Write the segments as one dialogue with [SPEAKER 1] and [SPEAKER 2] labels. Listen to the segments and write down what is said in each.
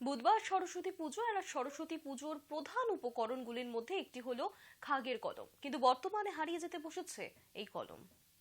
[SPEAKER 1] বুধবার সরস্বতী পুজো আর সরস্বতী পুজোর প্রধান উপকরণগুলির মধ্যে একটি হলো খাগের কলম, কিন্তু বর্তমানে হারিয়ে যেতে বসেছে এই কলম।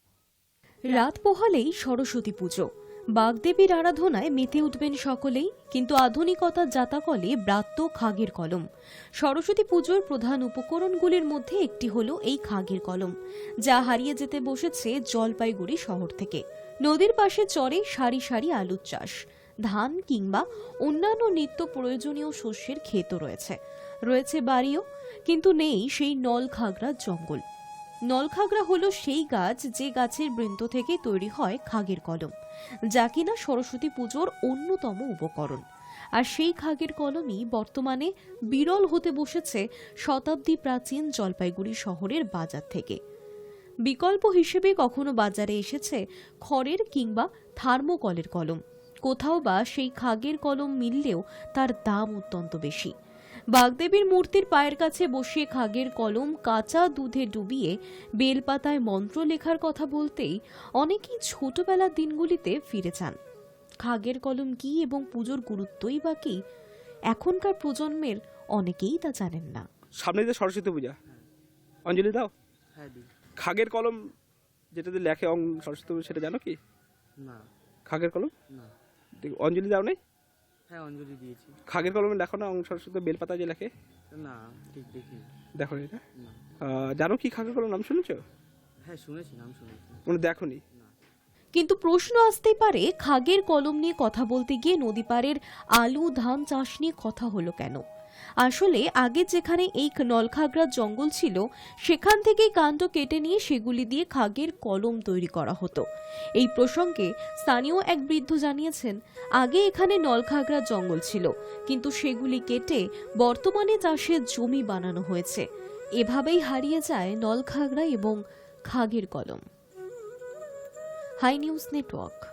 [SPEAKER 2] রাত পোহালেই সরস্বতী পুজো, বাগদেবীর আরাধনায় মেতে উঠবেন সকলেই, কিন্তু আধুনিকতার জাতাকলে ব্রাত্য খাগের কলম। সরস্বতী পুজোর প্রধান উপকরণগুলির মধ্যে একটি হলো এই খাগের কলম, যা হারিয়ে যেতে বসেছে জলপাইগুড়ি শহর থেকে। নদীর পাশে চরে সারি সারি আলুর চাষ, ধান কিংবা অন্যান্য নিত্য প্রয়োজনীয় শস্যের ক্ষেতও রয়েছে বাড়িও, কিন্তু নেই সেই নলখাগড়ার জঙ্গল। নলখাগড়া হলো সেই গাছ যে গাছের বৃন্ত থেকে তৈরি হয় খাগের কলম, যা কিনা সরস্বতী পুজোর অন্যতম উপকরণ। আর সেই খাগের কলমই বর্তমানে বিরল হতে বসেছে শতাব্দী প্রাচীন জলপাইগুড়ি শহরের বাজার থেকে। বিকল্প হিসেবে কখনো বাজারে এসেছে খড়ের কিংবা থার্মোকলের কলম, কোথাও বা সেই খাগের কলম মিললেও তার দাম অত্যন্ত বেশি। বাগদেবীর মূর্তির পায়ের কাছে বসিয়ে খাগের কলম কাঁচা দুধে ডুবিয়ে বেলপাতায় মন্ত্র লেখার কথা বলতেই অনেকেই ছোটবেলার দিনগুলিতে ফিরে যান। খাগের কলম কি এবং পুজোর গুরুত্বই বা কি, এখনকার প্রজন্মের অনেকেই তা জানেন না।
[SPEAKER 3] সামনে যে সরস্বতী পূজা, অঞ্জলি দাও?
[SPEAKER 4] হ্যাঁ দিই।
[SPEAKER 3] খাগের কলম যেটাতে লেখে সরস্বতী পূজা, সেটা জানো কি?
[SPEAKER 4] না।
[SPEAKER 3] খাগের কলম
[SPEAKER 4] না।
[SPEAKER 3] অঞ্জলি দাও নাই?
[SPEAKER 4] হ্যাঁ অঞ্জলি দিয়েছি।
[SPEAKER 3] খাগের কলমে লেখো না সরস্বতী বেলপাতা যে লেখে?
[SPEAKER 4] না ঠিক দেখি।
[SPEAKER 3] দেখো এটা?
[SPEAKER 4] না।
[SPEAKER 3] জানো কি খাগের কলম নাম শুনেছো?
[SPEAKER 4] হ্যাঁ শুনেছি, নাম শুনেছি।
[SPEAKER 3] মানে দেখোনি?
[SPEAKER 2] কিন্তু প্রশ্ন আসতেই পারে, খাগের কলম নিয়ে কথা বলতে গিয়ে নদী পাড়ের আলু ধান চাষ নিয়ে কথা হলো কেন? আসলে আগে যেখানে এই নলখাগড়ার জঙ্গল ছিল, সেখান থেকেই কাণ্ড কেটে নিয়ে সেগুলি দিয়ে খাগের কলম তৈরি করা হতো। এই প্রসঙ্গে স্থানীয় এক বৃদ্ধ জানিয়েছেন, আগে এখানে নলখাগড়ার জঙ্গল ছিল, কিন্তু সেগুলি কেটে বর্তমানে চাষের জমি বানানো হয়েছে। এভাবেই হারিয়ে যায় নলখাগড়া এবং খাগের কলম। Hi news network.